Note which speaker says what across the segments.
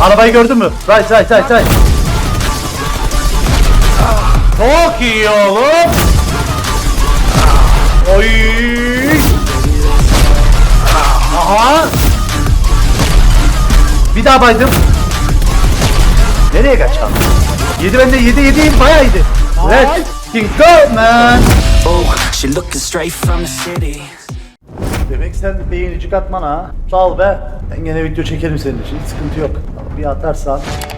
Speaker 1: Arabayı gördün mü? Right. Çok iyi oğlum. Oy. Aha. Bir daha baydım. Nereye kaçalım? Yedi bende, yedi bayağı yedi. Let's go man.
Speaker 2: She looking straight from the city.
Speaker 1: Demek sen beğenicik atman ha. Sağ ol be. Ben gene video çekerim senin için. Hiç sıkıntı yok. Bir atarsan.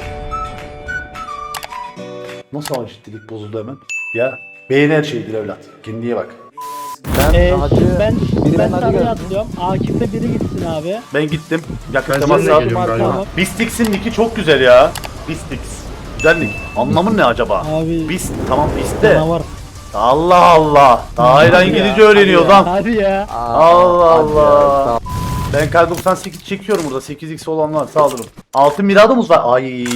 Speaker 1: Nasıl ama ciddilik bozuldu hemen? Ya beğeni her şeydir evlat. Kendine bak.
Speaker 3: Ben sarıya atlıyorum. Akif'te biri gitsin abi.
Speaker 1: Ben gittim. Yakın
Speaker 4: Ben
Speaker 1: temas
Speaker 4: seninle
Speaker 1: aldım.
Speaker 4: geliyorum galiba.
Speaker 3: Tamam.
Speaker 1: Bistix'in nicki çok güzel ya. Bistix. Güzel nick. Anlamın ne acaba?
Speaker 3: Abi.
Speaker 1: Bist. Tamam Bist de.
Speaker 3: Canavar.
Speaker 1: Allah Allah. Daha hala İngilizce öğreniyor lan.
Speaker 3: Hadi ya.
Speaker 1: Allah Allah. Ben kar 98 çekiyorum burada. 8x olan var. Sağ olun. Altın miradımız var. Ay.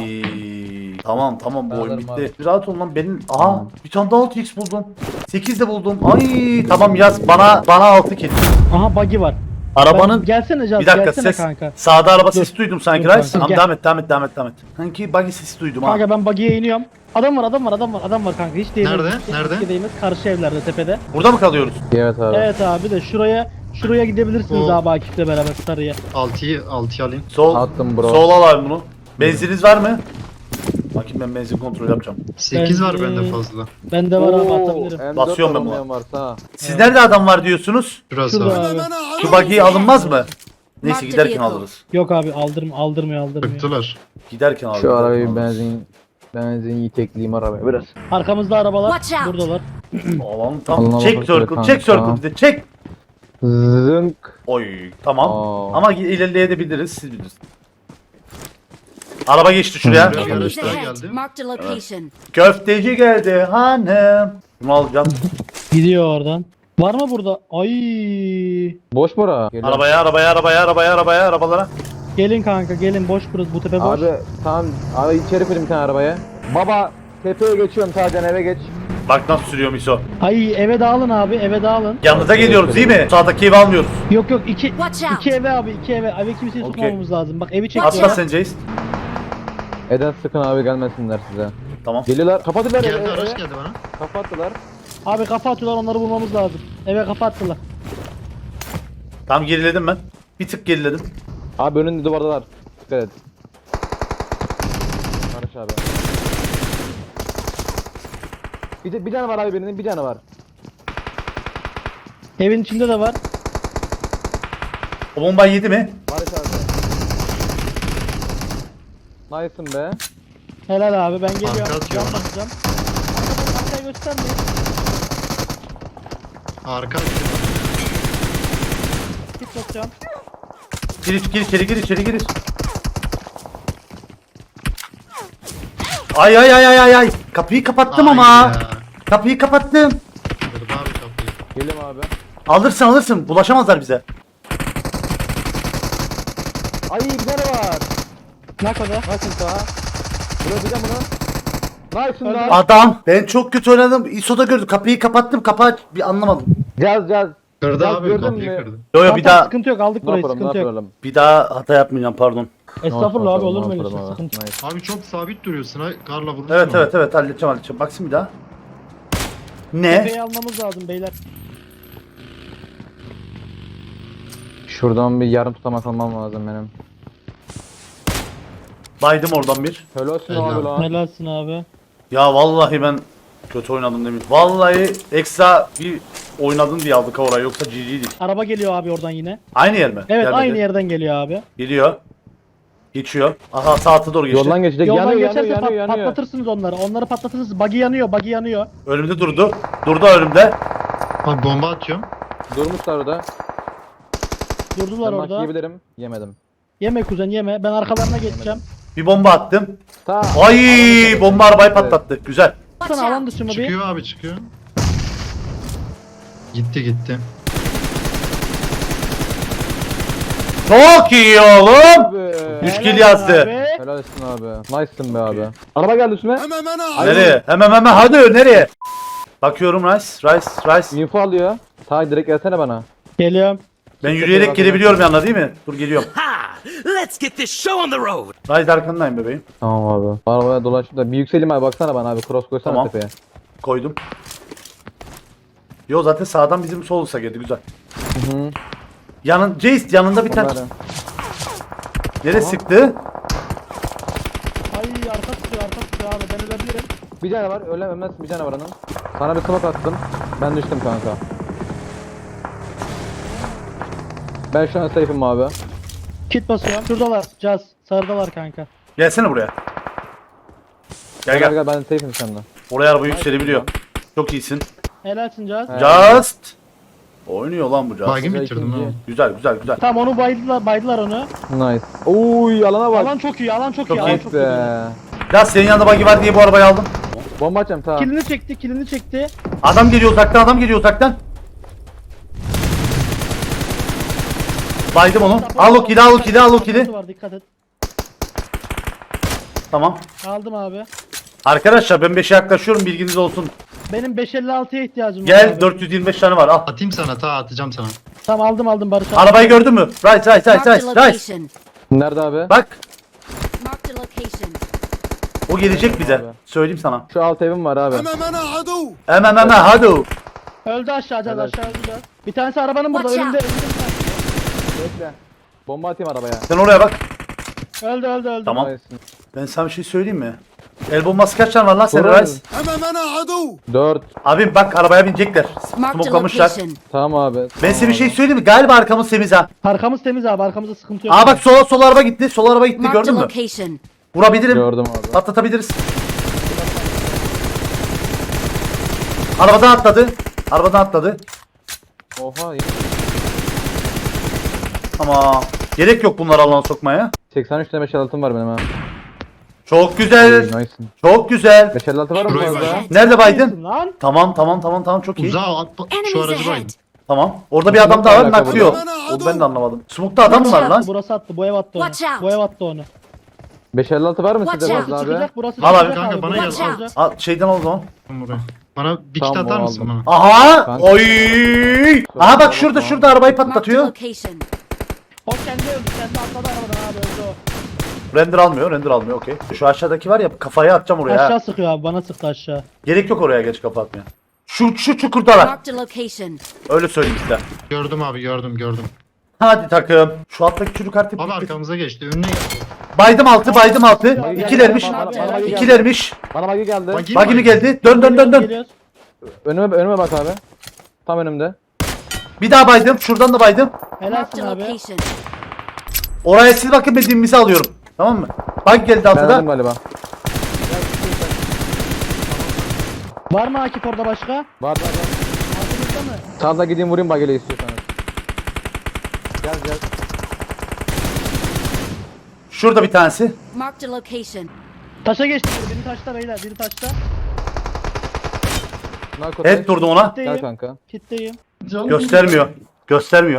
Speaker 1: Tamam bu oyun bitti. Bir rahat ol lan benim. Aha bir tane daha 6x buldum. 8 de buldum. Ay tamam yaz bana 6 kill.
Speaker 3: Aha buggy var.
Speaker 1: Arabanın
Speaker 3: Gelsene Caz,
Speaker 1: bir dakika
Speaker 3: gelsene
Speaker 1: ses.
Speaker 3: kanka.
Speaker 1: Sağda araba sesi duydum sanki
Speaker 3: Dur
Speaker 1: Rice.
Speaker 3: kanka,
Speaker 1: Tamam
Speaker 3: gel.
Speaker 1: devam et. Sanki buggy sesi duydum ha.
Speaker 3: Kanka ben buggy'ye iniyorum. Adam var kanka. Hiç değmez.
Speaker 4: Nerede?
Speaker 3: Hiç
Speaker 4: Nerede?
Speaker 3: değmez. Karşı evlerde tepede.
Speaker 1: Burada mı kalıyoruz?
Speaker 5: Evet abi.
Speaker 3: Evet abi de şuraya gidebilirsiniz
Speaker 4: O-
Speaker 3: abi Akif'le beraber sarıya.
Speaker 4: 6'yı alayım.
Speaker 1: Sol.
Speaker 5: Attım bro.
Speaker 1: Sol al abi bunu. Benziniz var mı? Bakayım ben benzin kontrol yapacağım.
Speaker 4: 8 var
Speaker 3: Ben-
Speaker 4: bende fazla.
Speaker 3: Bende var abi atabilirim.
Speaker 1: Basıyorum ben buna.
Speaker 5: buna. Varsa.
Speaker 1: Siz nerede adam var diyorsunuz?
Speaker 4: Şurası
Speaker 3: Şurada
Speaker 4: var.
Speaker 3: abi.
Speaker 1: Şu buggy alınmaz mı? Neyse giderken alırız.
Speaker 3: Yok abi aldırmıyor.
Speaker 4: Bıktılar.
Speaker 1: Giderken alırız.
Speaker 5: Şu arabayı benzin yitekleyeyim arabaya biraz.
Speaker 3: Arkamızda arabalar.
Speaker 6: Watch out.
Speaker 3: Buradalar.
Speaker 1: Alalım tamam.
Speaker 5: Alına
Speaker 1: Çek
Speaker 5: bakıyor
Speaker 1: circle,
Speaker 5: kanka.
Speaker 1: çek circle bir de çek.
Speaker 5: Zınk.
Speaker 1: Oy tamam.
Speaker 5: Aa.
Speaker 1: Ama ilerleyebiliriz siz bilirsiniz. Araba geçti şuraya.
Speaker 4: Hı.
Speaker 6: Enemies
Speaker 4: Araçlar
Speaker 6: ahead.
Speaker 4: geldi.
Speaker 6: Marked a location.
Speaker 1: Köfteci geldi hanım. Bunu alacağım.
Speaker 3: Gidiyor oradan. Var mı burada? Ay.
Speaker 5: Boş mu ara?
Speaker 1: Arabaya arabalara.
Speaker 3: Gelin kanka gelin boş burası bu tepe boş.
Speaker 5: Abi tamam abi içeri koyayım bir tane arabaya. Baba tepeye geçiyorum sadece eve geç.
Speaker 1: Bak nasıl sürüyor Miso.
Speaker 3: Ay eve dağılın abi eve dağılın.
Speaker 1: Yanınıza geliyoruz değil mi? Sağdaki evi almıyoruz.
Speaker 3: Yok
Speaker 6: Watch out.
Speaker 3: iki eve abi iki eve. Eve kimseyi
Speaker 1: Okey.
Speaker 3: tutmamamız lazım. Bak evi
Speaker 6: Watch
Speaker 3: çekiyor.
Speaker 1: Atla sen Jace.
Speaker 5: Eden sıkın abi gelmesinler size.
Speaker 1: Tamam.
Speaker 5: Geliyorlar kapattılar
Speaker 4: Geldi
Speaker 5: eve.
Speaker 4: araç geldi bana.
Speaker 5: Kapattılar.
Speaker 3: Abi kafa atıyorlar onları bulmamız lazım. Eve kafa attılar.
Speaker 1: Tamam geriledim ben. Bir tık geriledim.
Speaker 5: Abi önünde duvardalar. Dikkat et. Barış abi. Bir tane var abi birinin bir tane var.
Speaker 3: Evin içinde de var.
Speaker 1: O bombayı yedi mi?
Speaker 5: Barış abi. Nice'ın be.
Speaker 3: Helal abi ben geliyorum.
Speaker 4: Arka atıyor
Speaker 3: Can
Speaker 4: bana.
Speaker 3: basacağım. Arkayı göstermeyin.
Speaker 4: Arka.
Speaker 3: Git basacağım.
Speaker 1: Gir içeri. Ay. Kapıyı kapattım ama.
Speaker 4: Ya.
Speaker 1: Kapıyı kapattım.
Speaker 4: Kırdı abi kapıyı.
Speaker 5: Geliyorum abi.
Speaker 1: Alırsın. Bulaşamazlar bize.
Speaker 5: Ay bir tane var.
Speaker 3: Ne kadar?
Speaker 5: Nice'ın sağa. Buraya bir de bunu. Nice'ın
Speaker 3: Hadi.
Speaker 5: da.
Speaker 1: Adam. Ben çok kötü oynadım. ISO'da gördüm. Kapıyı kapattım. Kapağı bir anlamadım.
Speaker 5: Caz.
Speaker 4: Kırdı
Speaker 5: Bak,
Speaker 4: abi
Speaker 5: gördün
Speaker 4: kapıyı
Speaker 5: mü?
Speaker 4: kırdı.
Speaker 1: Yo bir
Speaker 3: Tamam,
Speaker 1: daha
Speaker 3: sıkıntı yok aldık
Speaker 5: Ne
Speaker 3: burayı
Speaker 5: yapalım ne
Speaker 3: sıkıntı yok.
Speaker 5: yapalım.
Speaker 1: bir daha hata yapmayacağım pardon.
Speaker 3: Estağfurullah abi olur mu
Speaker 5: Ne
Speaker 3: öyle
Speaker 5: yapalım
Speaker 3: şey
Speaker 5: abi?
Speaker 3: sıkıntı yok.
Speaker 5: Nice.
Speaker 4: Abi çok sabit duruyorsun ha. Karla vurursun.
Speaker 1: Evet halledeceğim. Baksın bir daha. Ne?
Speaker 3: Tepeyi almamız lazım beyler.
Speaker 5: Şuradan bir yarım tutamak almam lazım benim.
Speaker 1: Baydım oradan bir.
Speaker 5: Helalsin
Speaker 4: Helal.
Speaker 5: abi lan.
Speaker 3: Helalsin abi.
Speaker 1: Ya vallahi ben kötü oynadım demin. Vallahi ekstra bir oynadın diye aldık orayı yoksa GG'dik.
Speaker 3: Araba geliyor abi oradan yine.
Speaker 1: Aynı yer mi?
Speaker 3: Evet
Speaker 1: Gelmedi.
Speaker 3: aynı yerden geliyor abi.
Speaker 1: Geliyor. Geçiyor. Aha saate doğru geçti.
Speaker 5: Yoldan geçecek.
Speaker 3: Yoldan
Speaker 5: Yanıyor
Speaker 3: geçerse
Speaker 5: yanıyor.
Speaker 3: patlatırsınız onları. Onları patlatırsınız. Buggy yanıyor.
Speaker 1: Önümde durdu. Durdu önümde.
Speaker 4: Abi bomba atıyorum.
Speaker 5: Durmuşlar orada.
Speaker 3: Durdular
Speaker 5: Ben
Speaker 3: orada.
Speaker 5: yiyebilirim. Yemedim.
Speaker 3: Yeme kuzen yeme. Ben arkalarına geçeceğim.
Speaker 1: Bir bomba attım.
Speaker 5: Ta.
Speaker 1: Ay bomba arabayı patlattı. Güzel.
Speaker 6: Watch
Speaker 3: Sana alan
Speaker 6: out.
Speaker 3: dışı mı bir?
Speaker 4: Çıkıyor abi çıkıyor. Gitti.
Speaker 1: Çok iyi oğlum.
Speaker 5: Abi.
Speaker 1: 3 kill
Speaker 3: Helal
Speaker 1: yazdı.
Speaker 3: abi.
Speaker 5: Helalsin abi. Nice'sın be abi. Araba geldi üstüme.
Speaker 1: Nereye? Hemen hadi nereye? Bakıyorum Rice.
Speaker 5: Info alıyor. Ta direkt gelsene bana.
Speaker 3: Geliyorum.
Speaker 1: Ben yürüyerek gelebiliyorum yanına değil mi? Dur geliyorum.
Speaker 2: Let's get this show on the road.
Speaker 1: Rise arkandayım bebeğim.
Speaker 5: Tamam abi. Arabaya dolaşıp da bir yükselim abi, baksana bana abi, cross koysana
Speaker 1: Tamam.
Speaker 5: tepeye.
Speaker 1: Koydum. Yo zaten sağdan bizim solsa geldi güzel.
Speaker 5: Hı.
Speaker 1: Jace yanında bir tane.
Speaker 5: Onları.
Speaker 1: Nereye sıktı?
Speaker 3: Ay arka tutuyor abi ben ölebilirim.
Speaker 5: Bir tane var, ölmezsin, bir tane var onun. Sana bir smoke attım. Ben düştüm kanka. Ben şu an safe'im abi.
Speaker 3: Kit basıyorum. Şuradalar. Caz. Sarıdalar kanka.
Speaker 1: Gelsene buraya. Gel gel.
Speaker 5: Ben safe'im senden.
Speaker 1: Oraya araba yükselebiliyor. Çok iyisin.
Speaker 3: Helalsin Caz.
Speaker 1: Just. Oynuyor lan bu Just.
Speaker 4: Baygın bitirdim ha.
Speaker 5: ikinci.
Speaker 1: Güzel güzel güzel.
Speaker 3: Tamam onu baydılar onu.
Speaker 5: Nice. Uy, alana bak.
Speaker 3: Alan çok iyi alan çok
Speaker 1: Çok
Speaker 3: iyi.
Speaker 1: iyi.
Speaker 3: Alan çok iyi.
Speaker 5: Be.
Speaker 1: Ya senin yanında buggy var diye bu arabayı aldım.
Speaker 5: Bomba atacağım, tamam.
Speaker 3: Kilini çekti.
Speaker 1: Adam geliyor uzaktan. Baydım onu. Al o kili.
Speaker 3: Var, dikkat et.
Speaker 1: Tamam.
Speaker 3: Aldım abi.
Speaker 1: Arkadaşlar ben 5'e yaklaşıyorum bilginiz olsun.
Speaker 3: Benim 556'ya ihtiyacım var.
Speaker 1: Gel
Speaker 3: abi.
Speaker 1: 425 tane var al.
Speaker 4: Atayım sana, atacağım sana.
Speaker 3: Tamam aldım Barış abi.
Speaker 1: Arabayı gördün mü? Right.
Speaker 6: Marked a location.
Speaker 5: Nerede abi?
Speaker 1: Bak
Speaker 6: Marked a location.
Speaker 1: o gelecek bize.
Speaker 5: Abi.
Speaker 1: Söyleyeyim sana.
Speaker 5: Şu alt evim var abi.
Speaker 1: Hemen hadi.
Speaker 3: Öldü aşağı Caz
Speaker 5: Evet.
Speaker 3: aşağı öldü Caz. Bir tanesi arabanın burada
Speaker 6: Watch
Speaker 3: önünde.
Speaker 6: out.
Speaker 5: Bekle. Bomba atayım arabaya.
Speaker 1: Sen oraya bak.
Speaker 3: Öldü.
Speaker 1: Tamam.
Speaker 5: Nice.
Speaker 1: Ben sana bir şey söyleyeyim mi? El bombası kaç tane var lan senin
Speaker 5: Doğru.
Speaker 1: Rice?
Speaker 5: 4.
Speaker 1: Abim bak arabaya binecekler.
Speaker 6: Marked a
Speaker 1: Smoklamışlar.
Speaker 6: location.
Speaker 5: Tamam abi.
Speaker 1: Ben size bir şey söyleyeyim mi? Galiba arkamız temiz ha.
Speaker 3: Arkamız temiz abi arkamızda sıkıntı yok.
Speaker 1: Aa bak sol araba gitti. Sol araba gitti
Speaker 6: Marked a
Speaker 1: gördün mü?
Speaker 6: location.
Speaker 1: Vurabilirim.
Speaker 5: Gördüm abi.
Speaker 1: Patlatabiliriz. Arabadan atladı.
Speaker 5: Oha.
Speaker 1: Ama gerek yok bunları alana sokmaya.
Speaker 5: 83 tane 556'm var benim ha.
Speaker 1: Çok güzel.
Speaker 5: Nice.
Speaker 1: Çok güzel.
Speaker 5: 556 var mı
Speaker 4: Şuraya
Speaker 5: fazla?
Speaker 6: bak.
Speaker 1: Nerede baydın?
Speaker 3: Lan.
Speaker 1: Tamam çok iyi.
Speaker 4: Uzağa at, şu
Speaker 6: Enemies
Speaker 4: aracı
Speaker 6: ahead.
Speaker 4: baydım.
Speaker 1: Tamam. Orada bir adam daha var
Speaker 5: Alaka
Speaker 1: naklıyor.
Speaker 5: burada.
Speaker 1: Onu ben de anlamadım. Smoke'ta adam mı var lan?
Speaker 3: Burası attı bu ev attı onu.
Speaker 6: Watch out.
Speaker 3: Bu ev attı onu.
Speaker 5: 556 var mı
Speaker 6: Watch
Speaker 5: sizde
Speaker 6: out.
Speaker 5: fazla abi?
Speaker 3: Çıkacak burası
Speaker 1: Al abi.
Speaker 3: çıkacak
Speaker 4: Kanka, bana
Speaker 3: burası
Speaker 6: gel.
Speaker 3: çıkacak.
Speaker 1: Al şeyden al o zaman.
Speaker 4: Buraya. Bana bir kit
Speaker 5: Tamam,
Speaker 4: atar
Speaker 5: o
Speaker 4: mısın
Speaker 5: aldım.
Speaker 4: bana?
Speaker 1: Aha!
Speaker 5: Kanka.
Speaker 1: Oy! Aha bak şurada arabayı
Speaker 6: Marked a
Speaker 1: patlatıyor.
Speaker 6: location.
Speaker 3: O kendi öldü kendi atladı arabadan abi öldü o.
Speaker 1: Render almıyor okey. Şu aşağıdaki var ya kafayı atacağım oraya. ha.
Speaker 3: Aşağı sıkıyor abi bana sıktı aşağı.
Speaker 1: Gerek yok oraya geç kafa atmaya. Şu çukurdalar.
Speaker 6: Marked a location.
Speaker 1: Öyle söyleyeyim size.
Speaker 4: Gördüm abi, gördüm.
Speaker 1: Hadi takım. Şu alttaki çocuk artık
Speaker 4: Abi arkamıza geçti, önüne geldi.
Speaker 1: Baydım altı. İkilermiş.
Speaker 5: Bana
Speaker 1: İkilermiş.
Speaker 5: bagi geldi.
Speaker 1: Bagi mi geldi? Dön.
Speaker 3: Geliyoruz.
Speaker 5: Önüme bak abi. Tam önümde.
Speaker 1: Bir daha baydım. Şuradan da baydım.
Speaker 6: Marked
Speaker 3: Helalsin
Speaker 6: a
Speaker 3: abi.
Speaker 6: location.
Speaker 1: Oraya siz bakın dediğimizi alıyorum. Tamam mı? Bug geldi
Speaker 5: Geldim
Speaker 1: altıda.
Speaker 5: galiba.
Speaker 3: Var mı Akif orada başka?
Speaker 5: Var.
Speaker 3: Altımızda mı?
Speaker 5: Sağda gideyim vurayım bagiyle istiyorsanız. Gel.
Speaker 1: Şurada bir tanesi.
Speaker 6: Marked a location.
Speaker 3: Taşa geçti biri taşta beyler biri taşta.
Speaker 5: Narko
Speaker 1: Evet durdum ona.
Speaker 5: Gel
Speaker 3: Kitleyim.
Speaker 5: kanka.
Speaker 3: Kitleyim.
Speaker 1: Göstermiyor.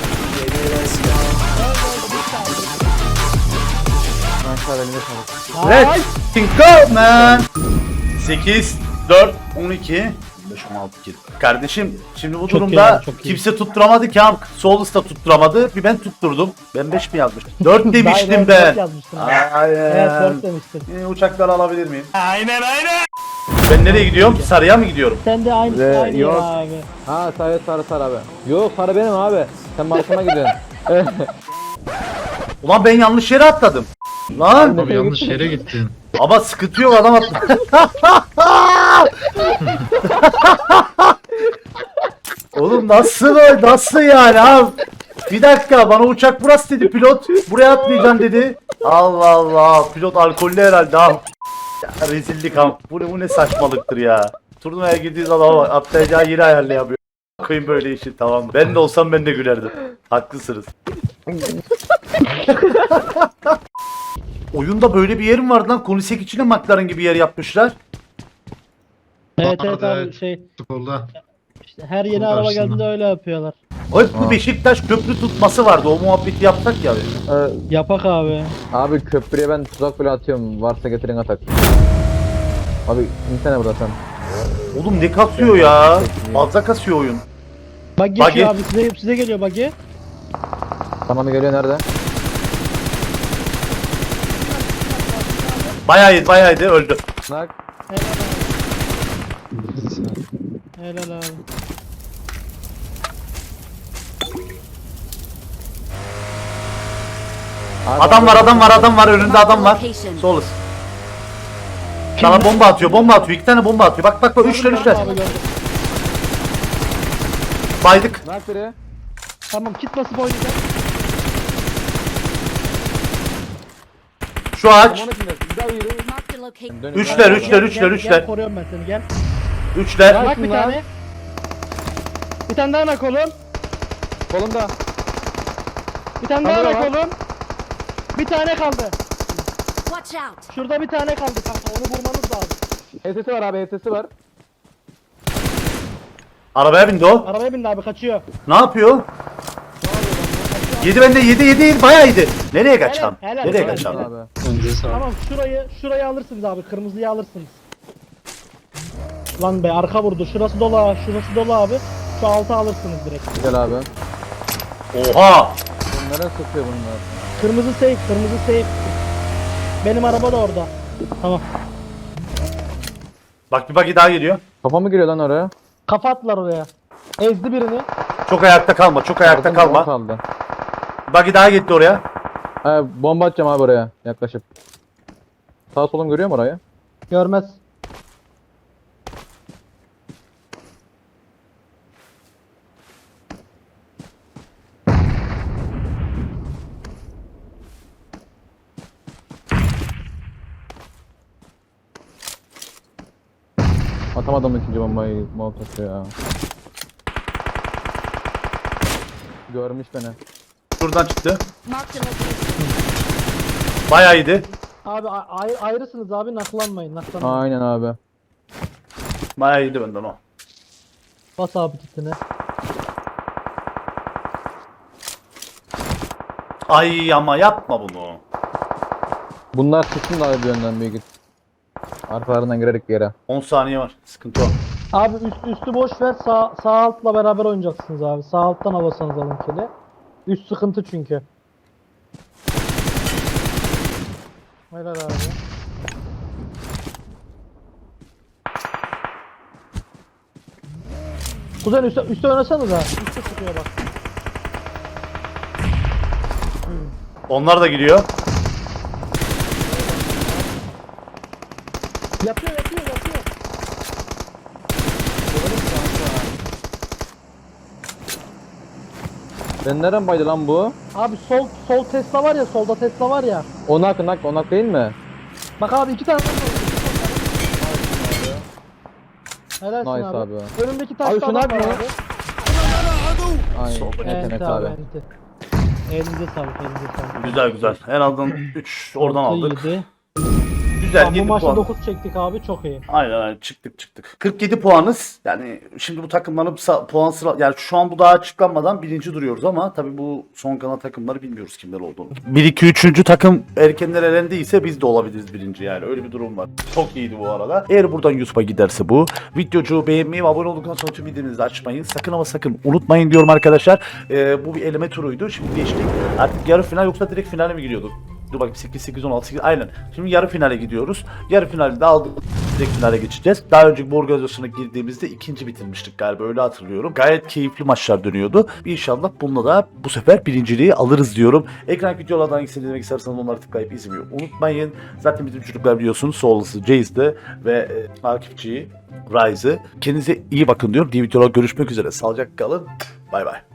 Speaker 5: Aşağı elime sağlık.
Speaker 1: Let's go man. 8, 4, 12, 15, 16 kill. Kardeşim şimdi bu
Speaker 3: Çok
Speaker 1: durumda
Speaker 3: iyi abi, çok iyi.
Speaker 1: kimse tutturamadı ki. Solus da tutturamadı. Bir ben tutturdum. Ben 5 mi yazmıştım? 4 demiştim
Speaker 3: Dört
Speaker 1: ben.
Speaker 3: yazmıştım.
Speaker 1: Aynen.
Speaker 3: Evet 4 demiştim.
Speaker 1: Uçakları alabilir miyim? Aynen. Ben nereye gidiyorum? Sarıya mı gidiyorum?
Speaker 3: Sen de aynı
Speaker 5: Yok.
Speaker 3: yer abi.
Speaker 5: Ha sarı abi. Yok sarı benim abi. Sen markama gidiyorsun.
Speaker 1: Ulan ben yanlış yere atladım. Lan
Speaker 4: Abi yanlış yere gittin.
Speaker 1: ama sıkıntı yok adam atladı. Oğlum nasıl yani abi? Bir dakika bana uçak burası dedi pilot. Buraya atlayacaksın dedi. Allah Allah pilot alkollü herhalde ha. Ya, rezillik ha. Bu ne saçmalıktır ya. Turnuvaya girdiği zaman bak atlayacağı yeri ayarlayamıyor. Koyun böyle işi tamam. Ben de olsam ben de gülerdim. Haklısınız.
Speaker 3: Oyunda böyle bir yerim vardı lan. Konisek içine McLaren gibi yer yapmışlar.
Speaker 4: Evet,
Speaker 3: abi
Speaker 4: evet.
Speaker 3: şey
Speaker 4: Skolda.
Speaker 3: işte her yeni
Speaker 4: Çok
Speaker 3: araba
Speaker 4: karşısında.
Speaker 3: geldiğinde öyle yapıyorlar.
Speaker 1: Oy bu Beşiktaş köprü tutması vardı. O muhabbeti yapsak ya.
Speaker 3: Yapak abi.
Speaker 5: Abi köprüye ben tuzak bile atıyorum. Varsa getirin atak. Abi insene burada sen.
Speaker 1: Oğlum ne kasıyor ya? Fazla kasıyor oyun.
Speaker 3: Bak geçiyor abi size geliyor buggy.
Speaker 5: Tamam geliyor nerede?
Speaker 1: Bayağı iyiydi öldü.
Speaker 5: Nak.
Speaker 3: Helal abi.
Speaker 1: Adam var önünde adam var. Solus. Sana bomba atıyor. 2 tane bomba atıyor. Bak 3'ler.
Speaker 3: Abi gördüm.
Speaker 1: Baydık.
Speaker 5: Nak biri.
Speaker 3: Tamam kit basıp oynayacağım.
Speaker 1: Şu ağaç.
Speaker 5: Onun içinde. Bir daha yürü.
Speaker 6: Marked a location.
Speaker 5: Dönün.
Speaker 1: Üçler,
Speaker 5: Gel,
Speaker 1: üçler.
Speaker 3: Gel koruyorum ben seni gel.
Speaker 1: 3'ler.
Speaker 3: Bak bir
Speaker 5: lan.
Speaker 3: tane. Bir tane daha nak oğlum.
Speaker 5: Kolumda.
Speaker 3: Bir tane daha
Speaker 5: Kamera
Speaker 3: nak
Speaker 5: var.
Speaker 3: oğlum. Bir tane kaldı.
Speaker 6: Watch out.
Speaker 3: Şurada bir tane kaldı kanka onu vurmanız lazım.
Speaker 5: HS'si var abi, HS'si var.
Speaker 1: Arabaya bindi o.
Speaker 3: Arabaya bindi abi kaçıyor.
Speaker 1: Ne yapıyor? Yedi bende yedi bayağı yedi. Nereye kaçam?
Speaker 3: helal,
Speaker 1: Nereye
Speaker 3: helal,
Speaker 1: kaçam?
Speaker 3: helal.
Speaker 5: Abi.
Speaker 3: Tamam şurayı alırsınız abi kırmızıyı alırsınız. Lan be arka vurdu şurası dolu abi. Şu altı alırsınız direkt.
Speaker 5: Gel abi.
Speaker 1: Oha!
Speaker 5: Bunlara sıkıyor bunlar.
Speaker 3: Kırmızı safe. Benim araba da orada. Tamam.
Speaker 1: Bak bir bagi daha geliyor.
Speaker 5: Kafa mı giriyor lan oraya?
Speaker 3: Kafa attılar oraya. Ezdi birini.
Speaker 1: Çok ayakta kalma.
Speaker 5: Kaldım, kaldı.
Speaker 1: Bagi daha gitti oraya.
Speaker 5: Bomba atacağım abi oraya yaklaşıp. Sağ solum görüyor mu orayı?
Speaker 3: Görmez.
Speaker 5: Atamadım ikinci bombayı Molotof'u ya. Görmüş beni.
Speaker 1: Şuradan çıktı.
Speaker 6: Marked a location.
Speaker 1: Bayağı iyiydi.
Speaker 3: Abi ayrısınız abi naklanmayın.
Speaker 5: Aynen abi.
Speaker 1: Bayağı iyiydi benden o.
Speaker 3: Bas abi kitine.
Speaker 1: Ay ama yapma bunu.
Speaker 5: Bunlar çıksın da abi bir yönden büyük. Arkalarından girerek bir yere.
Speaker 1: 10 saniye var. Sıkıntı o.
Speaker 3: Abi üstü boş ver sağ altla beraber oynayacaksınız abi. Sağ alttan havasanız alın kili. Üst sıkıntı çünkü. Helal abi. Kuzen üstte oynasanız ha. Üstte çıkıyor bak.
Speaker 1: Onlar da giriyor.
Speaker 3: Yapıyor.
Speaker 5: Ben nereden baydı lan bu?
Speaker 3: Abi sol Tesla var ya solda Tesla var ya.
Speaker 5: Onak değil mi?
Speaker 3: Bak abi 2 tane var. Helalsin
Speaker 5: Nice
Speaker 3: abi.
Speaker 5: abi.
Speaker 3: Önündeki taşta
Speaker 5: Abi şunu
Speaker 3: adam var
Speaker 5: atma.
Speaker 3: abi.
Speaker 5: Aynen.
Speaker 1: Solda
Speaker 5: Yetenek
Speaker 3: Evet
Speaker 5: abi.
Speaker 3: abi. Elinize sağlık.
Speaker 1: Güzel. En azından 3 oradan aldık.
Speaker 3: 7.
Speaker 1: Güzel
Speaker 3: Tamam, bu
Speaker 1: 7
Speaker 3: maçta
Speaker 1: puan.
Speaker 3: 9 çektik abi çok iyi.
Speaker 1: Aynen çıktık. 47 puanız. Yani şimdi bu takımların puan sıra yani şu an bu daha açıklanmadan birinci duruyoruz ama tabii bu son kalan takımları bilmiyoruz kimler olduğunu. 1 2 3. takım erkenler elendiyse biz de olabiliriz birinci yani öyle bir durum var. Çok iyiydi bu arada. Eğer buradan YouTube'a giderse bu videocu beğenmeyi ve abone olduktan sonra tüm videomuzu açmayın. Sakın ama sakın unutmayın diyorum arkadaşlar. Bu bir eleme turuydu. Şimdi geçtik. Artık yarı final yoksa direkt finale mi giriyorduk? Dur bakayım 8 16 8 aynen. Şimdi yarı finale gidiyoruz. Yarı finalde de aldık. Direkt finale geçeceğiz. Daha önceki bu organizasyona girdiğimizde ikinci bitirmiştik galiba öyle hatırlıyorum. Gayet keyifli maçlar dönüyordu. İnşallah bununla da bu sefer birinciliği alırız diyorum. Ekran videolardan hangisini izlemek isterseniz onları tıklayıp izlemeyi unutmayın. Zaten bizim çocuklar biliyorsunuz Soulless'ı, Jaze'de ve Akifçi'yi, Rise'ı. Kendinize iyi bakın diyorum. Diğer videolarda görüşmek üzere. Sağlıcakla kalın. Bay bay.